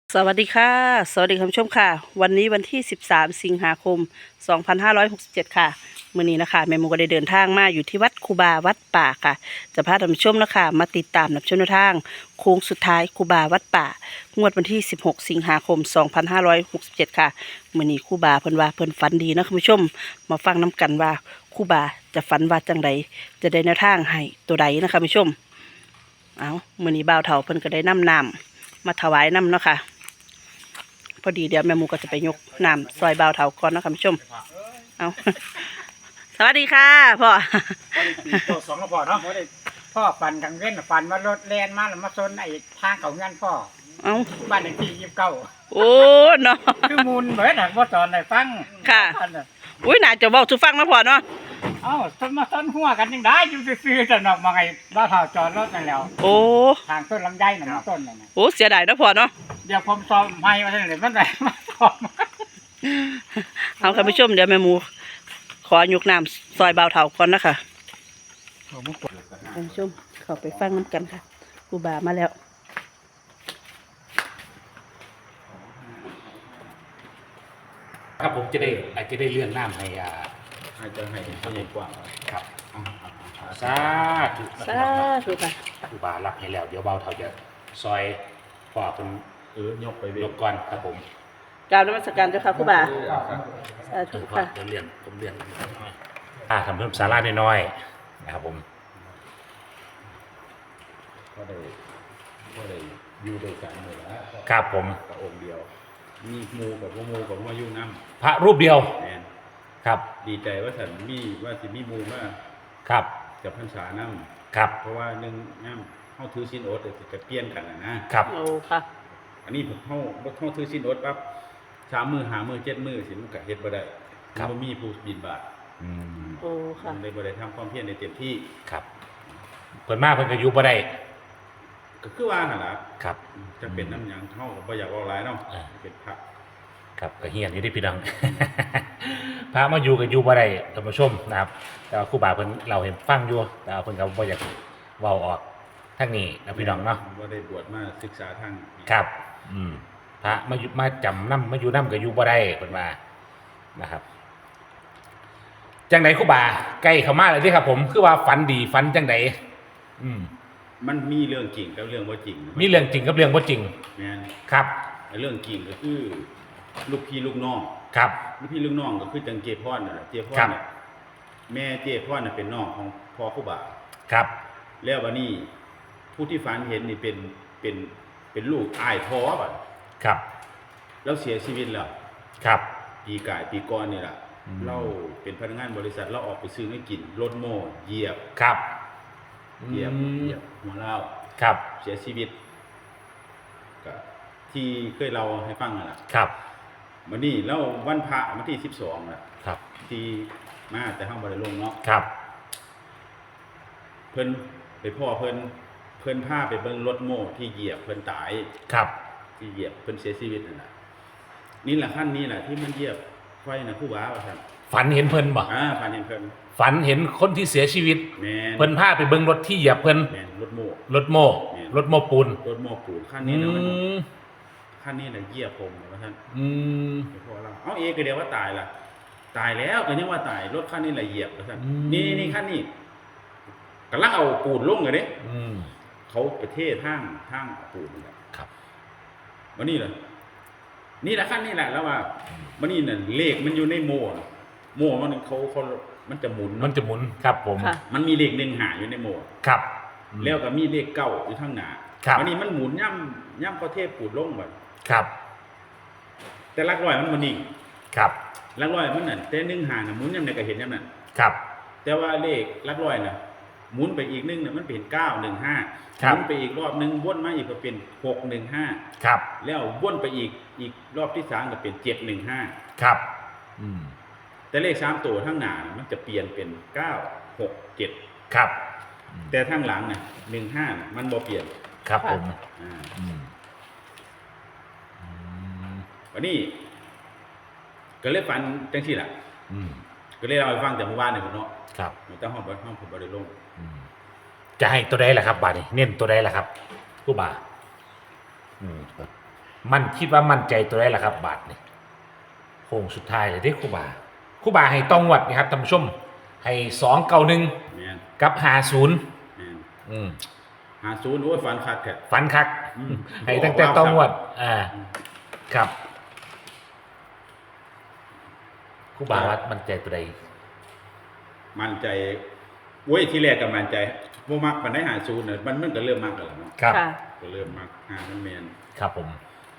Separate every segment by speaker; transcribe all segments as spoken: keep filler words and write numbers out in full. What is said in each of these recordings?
Speaker 1: สวัสดีค่ะสวัสดีคุณผู้ชมค่ะวันนี้วันที่สิบสามสิงหาคมสองพันห้าร้อยหกสิบเจ็ดค่ะมื้อนี้นะคะแม่หมูก็ได้เดินทางมาอยู่ที่วัดครูบาวัดป่าค่ะจะพาท่านผู้ชมนะคะมาติดตามรับชมแนวทางโค้งสุดท้ายครูบาวัดป่างวดวันที่สิบหกสิงหาคมสองพันห้าร้อยหกสิบเจ็ดค่ะมื้อนี้ครูบาเพิ่นว่าเพิ่นฝันดีนะคุณผู้ชมมาฟังน้กันว่าครูบาจะฝันว่าจังใดจะได้แนวทางให้ตัวใดนะคะคุณผู้ชมเอามื้อนี้บ่าวเฒ่าเพิ่นก็ได้นำน้ำมาถวายน้ำเนาะค่ะพอดีเดี๋ยวแม่หมูก็จะไปยกน้ำซอยบ่าวเถาก่อนนะคุณผู้ชมเอา สวัสดีค่ะพ่อ
Speaker 2: ตัวสองก็พอเนาะพ่อได้พ่อฟันกลางเว้นฟันว่ารถแลนมาแล้วมาซนไอ้ทางเขาเงินพ่อ
Speaker 1: เอา
Speaker 2: บ้านเลขที่ยี่สิบเก้า
Speaker 1: โอ้เนาะ
Speaker 2: คือมูลเหมือนหนักว่าตอนไหนฟัง
Speaker 1: ค่ะ อุ้ยน่าจะบอกสุฟังนะพ่อเนาะ
Speaker 2: เอ้าซนมาซนหัวกันยังได้อยู่ซื่อๆจะนอกมาไงบ้าเผาจอดรถนั่นแล้ว
Speaker 1: โอ้
Speaker 2: ทางต้นลำไยน่ะมันต้นนั่นน่ะ
Speaker 1: โอ้เสียดายนะพ่อเนาะ
Speaker 2: เดี๋ยวผมซ้อมให้มาเท่าไหร่มันได้มาซ้อม
Speaker 1: เอาคุณผู้ชมเดี๋ยวแม่หมูขอยกน้ำซอยบ่าวเถาก่อนนะคะคุณผู้ชมเข้าไปฟังน้ำกันค่ะครูบามาแล้ว
Speaker 3: ครับผมจะได้อาจจะได้เลื่อนน้ำให้อ่า
Speaker 4: อาจจะให้เขาใหญ่กว่า
Speaker 3: ครับสาธุ
Speaker 1: สาธุค่ะ
Speaker 3: ครูบารับให้แล้วเดี๋ยวเบาเท่าจะซอยพ่อเป็น
Speaker 4: เออยกไปเวย
Speaker 3: ยกก่อนครับผม
Speaker 1: กราบนมัสการเจ้าค่ะครูบาสาธุ
Speaker 3: พ่อ
Speaker 1: ค่ะ
Speaker 3: เดี๋ยวเลื่อนผมเลื่อนอ่าทำเพิ่มสาราน้อยๆนะครับผม
Speaker 4: ก็ได้ก็ได้อยู่ด้วยกันเลยละ
Speaker 3: ครับผม
Speaker 4: กับองค์เดียว มีหมูกับพวกมูกับว่าอยู่น้
Speaker 3: พระรูปเดียว
Speaker 4: ำแมน
Speaker 3: ครับ
Speaker 4: ดีใจว่าฉันมีว่าสิมีหมูมา
Speaker 3: ครับ
Speaker 4: กับพรรษาน้
Speaker 3: ครับ
Speaker 4: ำเพราะว่าหนึ่งน้ำเข้าถือสินอดเดี๋ยวจะเปลี่ยนกันนะนะครับ
Speaker 1: โอ้ค่ะ
Speaker 4: อันนี้ผมเข้าเข้าถือสินอดปั๊บสามมือหามือเจ็ดมือสิมันก็เฮ็ดบ่ได้มันมีผู้บินบาต
Speaker 3: อืม
Speaker 1: โอ้ค่ะ
Speaker 4: มันเลยบ่ได้ทำความเพียรในเต็มที่
Speaker 3: ครับเพิ่นมาเพิ่นก็อยู่บ่ได้
Speaker 4: ก็คือว่าหั่นล่ะ
Speaker 3: ครับ
Speaker 4: จะเป็นน้ำหยังเท่ากับบ่อยากเอาหลายเนาะ
Speaker 3: อ่า
Speaker 4: เป็นพระ
Speaker 3: ครับก็เฮียนอยู่ที่พี่น้อง พระมาอยู่กับอยู่บ่ได้ท่านผู้ชมนะครับแต่ว่าครูบาเพิ่นเราเห็นฟังอยู่แต่ว่าเพิ่นก็บ่อยากเว้าออกทางนี้นะพี่น้องเนาะ
Speaker 4: ว่าได้บวชมาศึกษาทาง
Speaker 3: ครับ อืมพระมาอยู่มาจำนำมาอยู่นำก็อยู่บ่ได้เพิ่นว่านะครับจังไดครูบาใกล้เข้ามาแล้วที่ครับ ผมคือว่าฝันดีฝันจังไดอืม
Speaker 4: มันมีเรื่องจริงกับเรื่องว่าจริง
Speaker 3: มีเรื่องจริงกับเรื่องบ่จริง
Speaker 4: แม่น
Speaker 3: ครับ
Speaker 4: ไอ้เรื่องจริงก็คือลูกพี่ลูกน้อง
Speaker 3: ครับ
Speaker 4: ลูกพี่ลูกน้องก็คือจังเจพรน่ะเจพร
Speaker 3: ครับ
Speaker 4: น่ะแม่เจพรน่ะเป็นน้องของพ่อครูบา
Speaker 3: ครับ
Speaker 4: แล้ววันนี้ผู้ที่ฝันเห็นนี่เป็นเป็นเป็นลูกอ้ายพ่อบัด
Speaker 3: ครับ
Speaker 4: แล้วเสียชีวิตแล้ว
Speaker 3: ครับ
Speaker 4: ปีกายปีก่อนนี่ล่ะ
Speaker 3: อืม
Speaker 4: เราเป็นพนักงานบริษัทเราออกไปซื้อให้กินรถโม่เหยียบ
Speaker 3: ครับ
Speaker 4: เหยียบ
Speaker 3: อืม
Speaker 4: เหยียบหัวเรา
Speaker 3: ครับ
Speaker 4: เสียชีวิตก็ที่เคยเราให้ฟังนั่นแหละ
Speaker 3: ครับ
Speaker 4: วันนี้แล้ววันพระวันที่สิบสองน่ะ
Speaker 3: ครับ
Speaker 4: ที่มาแต่ห้องบริลงเนาะ
Speaker 3: ครับ
Speaker 4: เพิ่นไปพ่อเพิ่นเพิ่นพาไปเบิ่งรถโม่ที่เหยียบเพิ่นตาย
Speaker 3: ครับ
Speaker 4: ที่เหยียบเพิ่นเสียชีวิตนั่นแหละนี่แหละขั้นนี้แหละที่มันเหยียบไฟนะผู้ว่าว่าซั่น
Speaker 3: ฝันเห็นเพิ่นบ่
Speaker 4: อ่าผ่านเห็นเพิ่น
Speaker 3: ฝันเห็นคนที่เสียชีวิต
Speaker 4: แม่น
Speaker 3: เพิ่นพาไปเบิ่งรถที่เหยียบเพิ่น
Speaker 4: แม่นรถโม่
Speaker 3: รถโม่รถโม่ปูน
Speaker 4: รถโม่ปูนขั้น
Speaker 3: อื
Speaker 4: นี้นะมัน
Speaker 3: ม
Speaker 4: ขั้นนี้น่ะเหยียบผมว่าซั่น
Speaker 3: อืม
Speaker 4: ไปพ่อเราเอ้าเอก็เดียวว่าตายล่ะตายแล้วก็ยังว่าตายรถคันนี้แหละเหยียบว่าซั่นนี่นี่คันนี้กำลังเอาปูนลงเลยเด้
Speaker 3: อืม
Speaker 4: เขาไปเททางทางปูนนี่แหละ
Speaker 3: ครับ
Speaker 4: วันนี้เลยนี่แหละขั้นนี้แหละแล้วว่าวันนี้น่ะเลขมันอยู่ในโม่น่ะโม่มันเขาเขามันจะหมุน
Speaker 3: มันจะหมุนครับผม
Speaker 1: ค่ะ
Speaker 4: มันมีเลขหนึ่งหาอยู่ในโม่
Speaker 3: ครับ
Speaker 4: แล้วก็มีเลขเก้าอยู่ข้างหน้า
Speaker 3: ครับ
Speaker 4: วันนี้มันหมุนย่ำย่ำประเทศปูดลงไป
Speaker 3: ครับ
Speaker 4: แต่หลักร้อยมันมันนิ่ง
Speaker 3: ครับ
Speaker 4: หลักร้อยมันนั่นแต่หนึ่งหาน่ะหมุนย่ำไหนก็เห็นย่ำนั้น
Speaker 3: ครับ
Speaker 4: แต่ว่าเลขหลักร้อยน่ะหมุนไปอีกนึงน่ะมันเป็นเก้าหนึ่งห้า
Speaker 3: ค
Speaker 4: ห
Speaker 3: รับ
Speaker 4: มุนไปอีกรอบนึงวนมาอีกก็เป็นหกหนึ่งห้า
Speaker 3: ครับ
Speaker 4: แล้ววนไปอีกอีกรอบที่สามก็เป็นเจ็ดหนึ่งห้า
Speaker 3: ครับ อืม
Speaker 4: แต่เลขสามตัวข้างหน้าน่ะมันจะเปลี่ยนเป็นเก้าหกเจ็ด
Speaker 3: ครับ
Speaker 4: แต่ข้างหลังน่ะหนึ่งห้ามันบ่เปลี่ยน
Speaker 3: ครับผม
Speaker 4: อ่า
Speaker 3: อืมอืม
Speaker 4: วันนี้ ก็เลยฝันจังที่แหละ
Speaker 3: อืม
Speaker 4: ก็เลยเอาไปฟังแต่เมื่อวานเนี่ยผมเนาะ
Speaker 3: ครับ
Speaker 4: มันต้องห้องบห้องผมบริลง
Speaker 3: อืมจะให้ตัวใดล่ะครับบาดนี้เน้นตัวใดล่ะครับผู้บ่าอืมมันคิดว่ามั่นใจตัวได้ละครับ บาทนี่โค้งสุดท้ายเลยเด้ครูบาครูบาให้ต้องวัดนะครับท่านผู้ชมให้สองเก้าหนึ่ง
Speaker 4: แม่น
Speaker 3: กับหาศูนย์
Speaker 4: แม่น
Speaker 3: อืม
Speaker 4: หาศูนย์โอ้ยฝันคักแท้
Speaker 3: ฝันคัก
Speaker 4: อืม
Speaker 3: ให้ตั้งแต่ต้องวัดอ่าครับครูบาวัดมั่นใจตัวใด
Speaker 4: มั่นใจโอ้ยที่แรกก็มั่นใจบ่มักปานได้หาศูนย์น่ะมันมันก็เริ่มมักแล้วล่ะเนาะ
Speaker 3: ครับ
Speaker 1: ค่ะ
Speaker 4: ก็เริ่มมักหามันแม่น
Speaker 3: ครับผม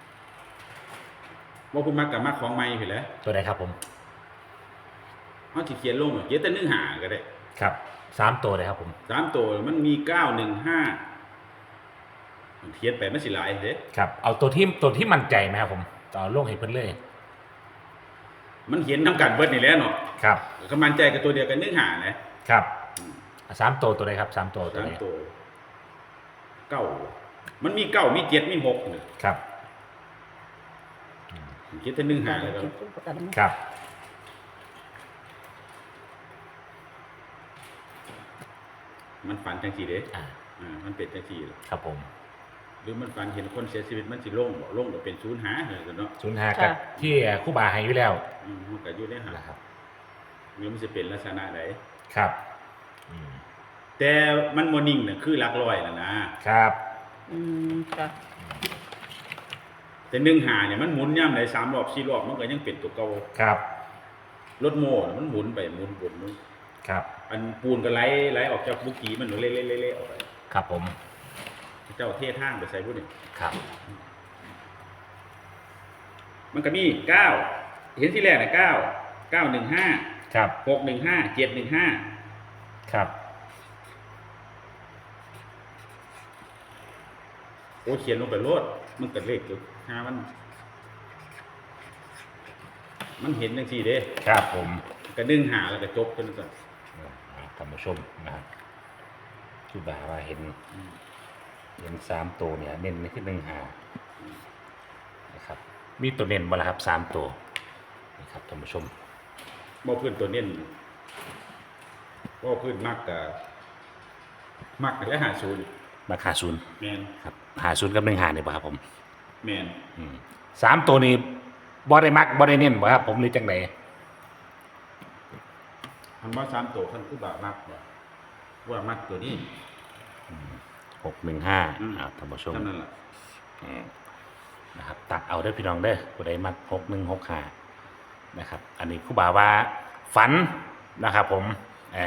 Speaker 4: บ่คุณมักก็มักของใหม่พุ่นแหละ
Speaker 3: ตัวใดครับผม
Speaker 4: เฮาสิเขียนลงอะเขียนแต่หนึ่งหาก็ได้
Speaker 3: ครับสามตัวเลยครับผม
Speaker 4: สามตัวมันมีเก้า หนึ่ง ห้ามันเขียนไปมันสิหลายเด้
Speaker 3: ครับเอาตัวที่ตัวที่มั่นใจไหมครับผมต่อลงให้เพิ่นเลย
Speaker 4: มันเขียนนำกันเบิดนี่แหละเนาะ
Speaker 3: ครับ
Speaker 4: ก็มั่นใจกับตัวเดียวกันหนึ่งหานะครับ
Speaker 3: อ่ะสามตัวตัวใดครับสามตัวตัว
Speaker 4: สาม
Speaker 3: ใด
Speaker 4: ตัวเก้ามันมีเก้ามีเจ็ดมีหกนี่
Speaker 3: ครับ
Speaker 4: เขียนแต่หนึ่งหาเลยก็
Speaker 3: ครับ
Speaker 4: มันฝันจังซี่เด้
Speaker 3: อ่า
Speaker 4: อ่ามันเป็นจังซี่ล่ะ
Speaker 3: ครับผม
Speaker 4: หรือมันฝันเห็นคนเสียชีวิตมันสิลงบ่ลงก็เป็นศูนย์หาเหรอเนาะ
Speaker 3: ศูนย์ห้ากับที่ครู่บาให้อยู่แล้ว
Speaker 4: อืมมันก็อยู่ในหา
Speaker 3: นะครับ
Speaker 4: หรือมันสิเป็นลักษณะใด
Speaker 3: ครับอืม
Speaker 4: แต่มันบ่นิ่งน่ะคือหลักร้อยน่ะนะครับ
Speaker 1: อืมค่ะ
Speaker 4: แต่หนึ่งหาเนี่ยมันหมุนย่ำได้สามรอบสี่รอบมันก็ยังเป็นตัวเก่า
Speaker 3: ครับ
Speaker 4: รถโม่น่ะมันหมุนไปหมุนวนมัน
Speaker 3: ครับ
Speaker 4: อันปูนก็ไหลไหลออกจากบุกี้มันเละๆๆๆออกไป
Speaker 3: ครับผม
Speaker 4: เจ้าเททางไปใส่ผู้นี่
Speaker 3: ครับ
Speaker 4: มันก็มีเก้าเห็นที่แรกน่ะเก้า เก้า หนึ่ง ห้า
Speaker 3: ครับ
Speaker 4: หก หนึ่ง ห้า เจ็ด หนึ่ง ห้า
Speaker 3: ครับ
Speaker 4: โอ้เขียนลงไปโลดมันก็เลขอยู่หามัน มันเห็นจังซี่เด้
Speaker 3: ครับผม
Speaker 4: ก็ดึงหาแล้วก็จบกันซั่น
Speaker 3: อ่าท่านผู้ชมนะครับครู่บาว่าเห็นเห็นสามตัวเนี่ยเน้นในที่หนึ่งหานะครับ มีตัวเน้นบ่ล่ะครับสามตัวนะครับท่านผู้ชม
Speaker 4: บ่พื้นตัวเน้นบ่พื้นมักก็มักแต่หาศูนย์
Speaker 3: มาคาศูนย์
Speaker 4: แม่น
Speaker 3: ครับหาศูนย์กับหนึ่งหาเนี่ยป่ะครับผม
Speaker 4: แม่น
Speaker 3: อืมสามตัวนี้บ่ได้มักบ่ได้เน้นบ่ครับผมหรือจังได
Speaker 4: คันว่าสามตัวคันคือบามักว่าว่ามักตัวนี้
Speaker 3: หกหนึ่งห้า
Speaker 4: อืม
Speaker 3: อ่าท่านผู้ชม
Speaker 4: เท่านั้นล่ะ
Speaker 3: อืมนะครับตัดเอาเด้อพี่น้องเด้อผู้ใดมักหกหนึ่งหกห้านะครับ อันนี้ครูบาว่าฝันนะครับ ผมอ่า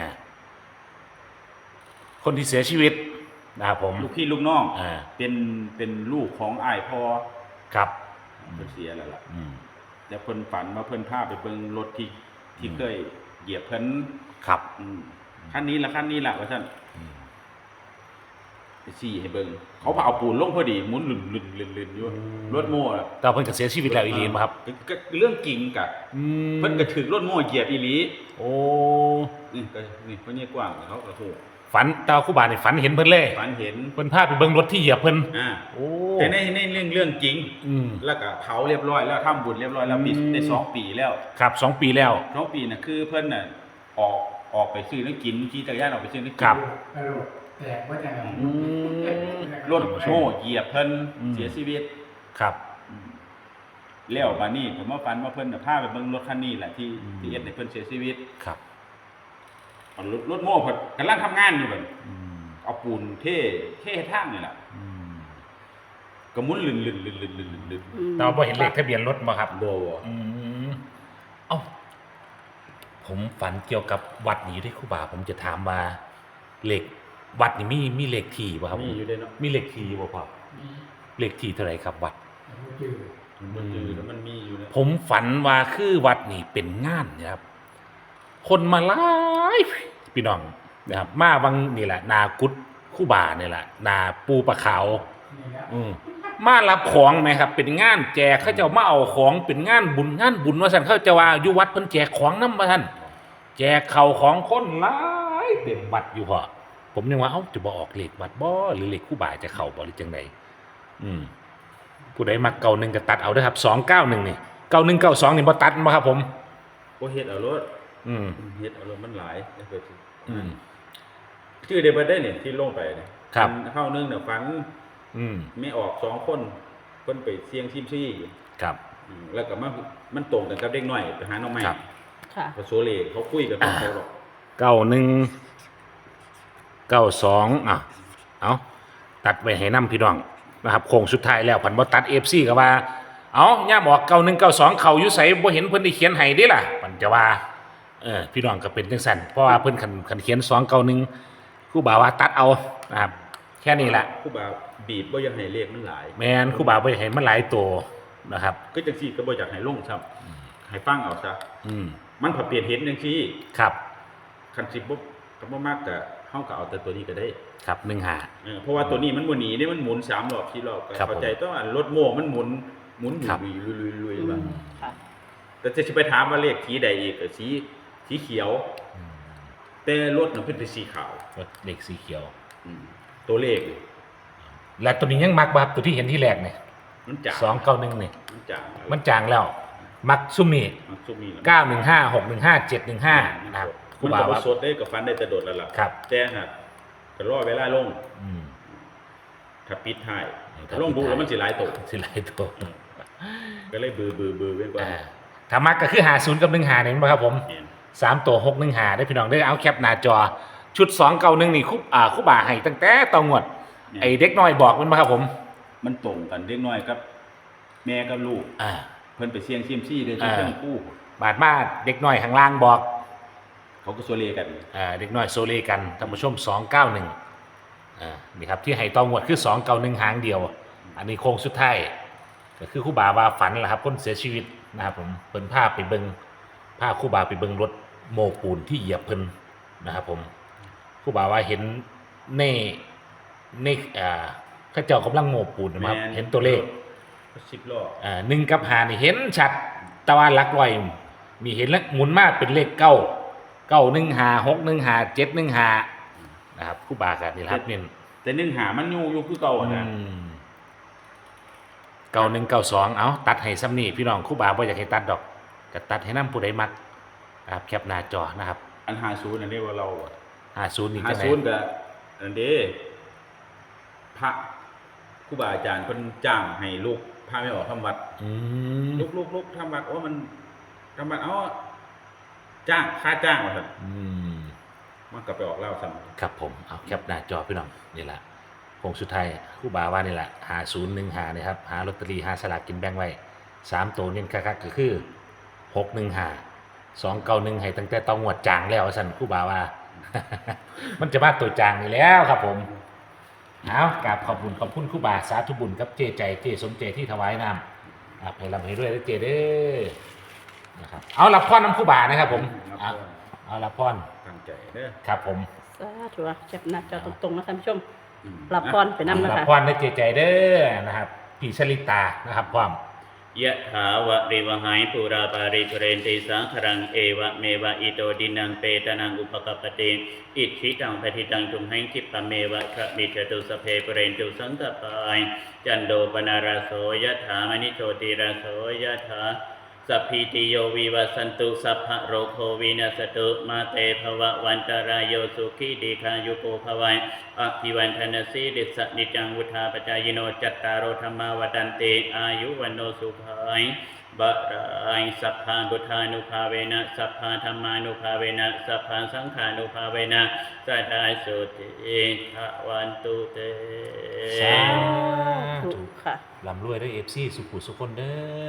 Speaker 3: คนที่เสียชีวิตนะครับผม
Speaker 4: ลูกพี่ลูกน้อง
Speaker 3: อ่า
Speaker 4: เป็นเป็นลูกของอ้ายพ่อ
Speaker 3: ครับ
Speaker 4: เพิ่นเสียแล้วล่ะ
Speaker 3: อืม
Speaker 4: แต่เพิ่นฝันว่าเพิ่นพาไปเบิ่งรถที่ที่
Speaker 3: อืม
Speaker 4: เคยเหยียบเพิ่น
Speaker 3: ครับ
Speaker 4: อืมคันนี้ล่ะคันนี้ล่ะว่าซั่น
Speaker 3: อืม
Speaker 4: ไปซี่ให้เบิ่งเขาพาเอาปูนลงพอดีหมุนลื่นๆๆๆอยู่รถโม่อะ
Speaker 3: แต่เพิ่นก็เสียชีวิตแล้วอีหลีบ่ครับ
Speaker 4: ก็ก็เรื่องจริงกะ
Speaker 3: อืม
Speaker 4: เพิ่นก็ถึกรถโม่เหยียบอีหลี
Speaker 3: โอ้
Speaker 4: นี่ก็นี่เพิ่นนี่กว้างเขาก็ฮู้
Speaker 3: ฝันแตว่าครูบานี่ฝันเห็นเพิ่นเลย
Speaker 4: ฝันเห็น
Speaker 3: เพิ่นพาไปเบิ่งรถที่เหยียบเพิ่น
Speaker 4: อ่า
Speaker 3: โอ้
Speaker 4: แต่ในในเรื่องเรื่องจริง
Speaker 3: อืม
Speaker 4: แล้วก็เผาเรียบร้อยแล้วทำบุญเรียบร้อยแล้วมี
Speaker 3: อืม
Speaker 4: ได้สองปีแล้ว
Speaker 3: ครับสองปีแล้ว
Speaker 4: สองปีน่ะคือเพิ่นน่ะออกออกไปซื้อน้ำกินขี่จักรยานออกไปซื้อน้ำกิ
Speaker 3: ครับ
Speaker 2: กระโหลกแตกว่าจะไง
Speaker 3: อืม
Speaker 4: รถโม่เหยียบเพิ่น
Speaker 3: อืม
Speaker 4: เสียชีวิต
Speaker 3: ครับ
Speaker 4: แล้วมานี่ผมว่าฝันว่าเพิ่นน่ะพาไปเบิ่งรถคันนี้แหละที่
Speaker 3: อืม
Speaker 4: ที่เอ็ดให้เพิ่นเสียชีวิต
Speaker 3: ครับ
Speaker 4: เอารถรถโม่เพิ่นกำลังทำงานอยู่เพิ่น
Speaker 3: อืม
Speaker 4: เอาปูนเทเททางนี่แหละ
Speaker 3: อืม
Speaker 4: ก็หมุนลื่นลื่นลื่นลื่นลื่นลื่น
Speaker 1: อืม
Speaker 3: แต่ว่าบ่เห็นเลขทะเบียนรถบ่ครับ
Speaker 4: บ่
Speaker 3: อืมเอ้าผมฝันเกี่ยวกับวัดนี้อยู่ที่ครูบาผมจะถามว่าเลขวัดนี่มีมีเลขที่บ่ครับ
Speaker 4: มีอยู่ด้วยเนาะ
Speaker 3: มีเลขที่บ่พ่อเลขที่เท่าไหร่ครับวัด
Speaker 2: จืด
Speaker 4: มันอยู่แล้วมันมีอยู่นะ
Speaker 3: ผมฝันว่าคือวัดนี่เป็นงานนะครับ คนมาหลายพี่น้องนะครับ มาวังนี่แหละ นากุดคู่บานี่แหละ นาปูปลาขาว
Speaker 2: นี่แหละ
Speaker 3: อืมมารับของไหมครับ เป็นงานแจกเขาเจะมาเอาของเป็นงานบุญงานบุญว่าสันเขาเจะว่าอยู่วัดเพิ่นแจกของน้ำมาท่านแจกเข่าวของคนหลายเต็มวัดอยู่พอผมยังว่าเอ้าจะบออกเลขวัดบ่หรือเลขคู่บาจะเข่าบ่หรือจังไดอืมผู้ใดมาเก่าหนึ่งก็ตัดเอาเด้อครับสองเก้าหนึ่งนี่เก้าหนึ่งเก้าสองนี่บ่ตัดบ่ครับผม
Speaker 4: บ่เฮ็ดเอารถ
Speaker 3: อืม
Speaker 4: เฮ็ดเอารถมันหลายเดี๋ยวไปสิ
Speaker 3: อืม
Speaker 4: ชื่อได้บ่ได้เนี่ยที่ลงไปเนี่ย
Speaker 3: ครับ
Speaker 4: เฮานึงเนี่ยฝัน
Speaker 3: อืม
Speaker 4: ไม่ออกสองคนเพิ่นไปเสี่ยงซิมซี่
Speaker 3: ครับ
Speaker 4: อืมแล้วก็มามันตรงกันกับเด็กน้อยไปหาน้องใหม่
Speaker 3: ครับ
Speaker 1: ค่ะ
Speaker 4: พอโซเลเขาคุยกันของเขาหรอก
Speaker 3: เก้าหนึ่งเก้าสองอ่ะเอาตัดไปให้น้ำพี่น้องนะครับโค้งสุดท้ายแล้วผันบ่ตัดเอฟซีก็ว่า เอาย่าบอกเก้าหนึ่งเก้าสองเขาอยู่ใส่บ่เห็นเพิ่นได้เขียนให้เดิล่ะมันจะว่าเออพี่น้องก็เป็นจังซั่นเพราะว่าเพิ่นคันคันเขียนสองเก้าหนึ่งครูบาว่าตัดเอานะครับแค่นี้แหละ
Speaker 4: ครูบาบีบบ่อยากให้เลขมันหลาย
Speaker 3: แม่นครูบาบ่อยากให้มันหลายตัวนะครับ
Speaker 4: ก็จังซี่ก็บ่อยากให้ลงครับให้ฟังเอาซะ
Speaker 3: อืม
Speaker 4: มันพอเปลี่ยนเห็นจังซี่
Speaker 3: ครับ
Speaker 4: คันสิบ่ก็บ่มากก็เฮาก็เอาแต่ตัวนี้ก็ได้
Speaker 3: ครับหนึ่งหา
Speaker 4: เออเพราะว่าตัวนี้มันบ่หนีนี่มันหมุนสามรอบสี่รอบก็
Speaker 3: ครับ
Speaker 4: เข้าใจต้องอันรถโม่มันหมุนหมุน
Speaker 3: ครับ
Speaker 4: ลุยๆๆๆว่า
Speaker 1: ค่ะ
Speaker 4: แต่จะสิไปถามว่าเลขสีใดอีกก็สีสีเขียว แต่รถน่ะเพิ่นเป็นสีขาว
Speaker 3: รถเด็กสีเขียว
Speaker 4: อืมตัวเลขนี่
Speaker 3: และตัวนี้ยังมักบ่ครับตัวที่เห็นที่แรกเนี่ย
Speaker 4: มันจาง
Speaker 3: สองเก้าหนึ่งเนี่ย
Speaker 4: มันจาง
Speaker 3: มันจางแล้ว มักซุ่มนี่
Speaker 4: มันซุมนี่แหละ
Speaker 3: เก้าหนึ่งห้าหกหนึ่งห้าเจ็ดหนึ่งห้านะครับครู
Speaker 4: มัน
Speaker 3: บา
Speaker 4: ก็บ่
Speaker 3: ว่า
Speaker 4: สดได้ก็ฟันได้แต่โดดแล้วล่ะ
Speaker 3: ครับ
Speaker 4: แต่หากก็รอเวลาลง
Speaker 3: อืม
Speaker 4: ถ้าปิดท้าย
Speaker 3: ถ้า
Speaker 4: ถ้าลงดู
Speaker 3: ปิดท้าย
Speaker 4: แล้วมันสิหลายตก
Speaker 3: สิหลายตัว
Speaker 4: ก็เลยบือบือบือเว้นกว่า
Speaker 3: อ่าถ้ามักก็คือหาศูนย์กับหนึ่งหาเนี่ยมั้งครับผม
Speaker 4: แม่น
Speaker 3: สามตัวหกหนึ่งหาได้พี่น้องได้เอาแคปหน้าจอ ชุดสองเก้าหนึ่งนี่คุบอ่าคุบาให้ตั้งแต่ตองวด ไอเด็กน้อยบอกมันมาครับผม
Speaker 4: มันตรงกันเล็กน้อยกับ แม่กับลูก
Speaker 3: อ่า
Speaker 4: เพิ่นไปเสี่ยงซิมซี่เด้อที่
Speaker 3: อ่า
Speaker 4: เครื่องคู่
Speaker 3: บาดมาเด็กน้อยข้างล่างบอก
Speaker 4: เขาก็โซเลกัน
Speaker 3: อ่าเด็กน้อยโซเลกันท่านผู้ชมสองเก้าหนึ่งอ่านี่ครับที่ให้ตองวดคือสองเก้าหนึ่งหางเดียว อันนี้โค้งสุดท้ายก็คือครู่บาว่าฝันแหละครับคนเสียชีวิตนะครับผมเพิ่นพาไปเบิงพาครู่บาไปเบิงรถโมปูนที่เหยียบเพิ่นนะครับผมครู่บาว่าเห็นในในอ่าเข้าเจ้ากำลังโมปูนนะครับ
Speaker 4: แม่น
Speaker 3: เห็นตัวเลข
Speaker 4: สิบล้อ
Speaker 3: อ่าหนึ่งกับหานี่เห็นชัดแตะวันลักลอยมีเห็นแล้วหมุนมากเป็นเลขเก้าเก้าหนึ่งหาหกหนึ่งหาเจ็ดหนึ่งหานะครับครู่บากันนี่แหละครับเนี่ย
Speaker 4: แต่นึ่งหามันอยู่อยู่คือเก่าอะนะ
Speaker 3: เก้าหนึ่งเก้าสองเอาตัดให้ซ้ำนี่พี่น้องครู่บาบ่อยากให้ตัดดอกก็ตัดให้น้ำผู้ใดมักนะครับแคปหน้าจอนะครับ
Speaker 4: อันหาศูนย์อันนี้ว่าเราอะ
Speaker 3: ห้าศูนย์นี่
Speaker 4: หา
Speaker 3: จังไหน
Speaker 4: ศูนย์กับอันเด้พระครูบาอาจารย์เพิ่นจ้างให้ลูกพาไม่ออกทำวัด
Speaker 3: อืม
Speaker 4: ลูกลูกลูกทำวัดโอ้มันทำวัดเอาจ้างค่าจ้างว่าซั่น
Speaker 3: อืม
Speaker 4: มันก็ไปออกเล่าซ้ำ
Speaker 3: ครับผมเอาแคปหน้าจอพี่น้องนี่แหละผงสุดท้ายครู่บาว่านี่แหละหาศูนย์หนึ่งหานะครับหาลอตเตอรี่หาสลากกินแบ่งไว้สามตัวเน้นคักๆก็คือหกหนึ่งหาสองเก้าหนึ่งให้ตั้งแต่ต้องงวดจางแล้วสันครู่บาว่า มันจะมาตัวจางนี่แล้วครับผมเอากราบขอบคุณขอบคุณครู่บาสาธุบุญกับเจใจเจสมเจที่ถวายน้ำครับให้ลำให้ด้วยนะเจเด้อนะครับเอารับพรน้ำครู่บานะครับผมเอาเอารับพร
Speaker 4: ตั้งใจเด้อ
Speaker 3: ครับผม
Speaker 1: สาธุอ่ะแคปหน้าจอตรงๆนะท่านผู้ชม
Speaker 4: อืม
Speaker 1: รับพรไปนำนะ
Speaker 3: รับ
Speaker 1: คะ
Speaker 3: พรได้เจใจเด้อนะครับพี่ชลิตานะครับพร้อม
Speaker 5: ยะถาวะริวหายปุราปาริปุเรนติสังขรังเอวะเมวะอิโตดินังเปตนังอุปกปปติอิทธิตังปฏิตังตุมหังคิปะเมวะคะมิจตุสเพปุเรนตุสังกปายจันโดปนาราโสยะถามณิโชติราโสยะถาสัพพิติโยวิวัสสันตุสัพพะโรโควินาสตุมาเตภวะวันตรายโยสุขีดีคายุโกภวัยอภิวันธนสีริสนิจังวุธาปจายโนจัตตารโอธรรมาวดันเตอายุวันโนสุขัยบะราอิสัพพาบุทานุภาเวนะสัพพาธรรมานุภาเวนะสัพพาสังฆานุภาเวนะสัทธาสุติภวันตุเต
Speaker 3: สาธุ
Speaker 1: ถูกค่ะ
Speaker 3: ลำรวยด้วยเอฟซีสุขุสุคนเด้อ